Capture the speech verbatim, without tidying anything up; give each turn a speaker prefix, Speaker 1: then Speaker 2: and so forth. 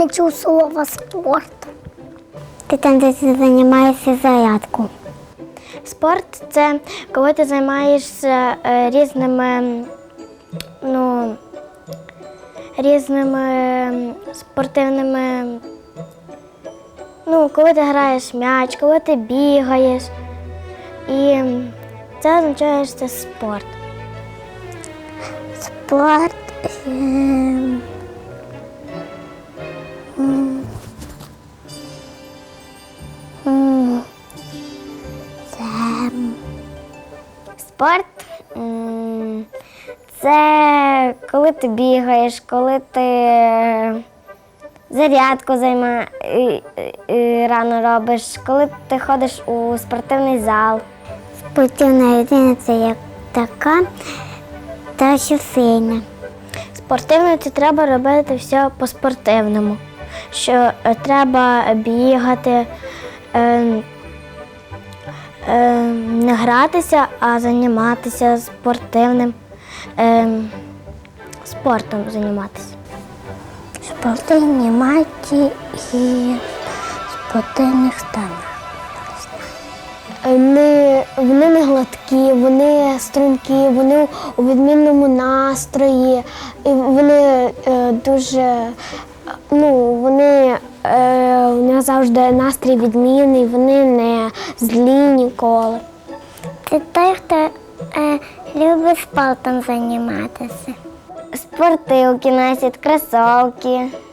Speaker 1: не чув слова спорт. Ти там, де ти займаєшся зарядку.
Speaker 2: Спорт – це коли ти займаєшся е, різними, ну, різними спортивними, ну, коли ти граєш м'яч, коли ти бігаєш. І це означає, що це спорт.
Speaker 1: Спорт. ем, м, м, Це
Speaker 2: Спорт м, – це коли ти бігаєш, коли ти зарядку займа... і- і рано робиш, коли ти ходиш у спортивний зал.
Speaker 1: спортивна людина, це як така, та що сильна.
Speaker 2: Спортивно це треба робити все по-спортивному. Що е, треба бігати, е, е, не гратися, а займатися спортивним е, спортом займатися.
Speaker 1: Спортивні матчі і спортивних станах.
Speaker 2: Вони, вони не гладкі, вони стрункі, вони у відмінному настрої, і вони е, дуже, ну, вони, е, у них завжди настрій відмінний, вони не злі ніколи.
Speaker 1: Це той, хто е, любить спортом займатися.
Speaker 2: Спортивки носять, кросівки.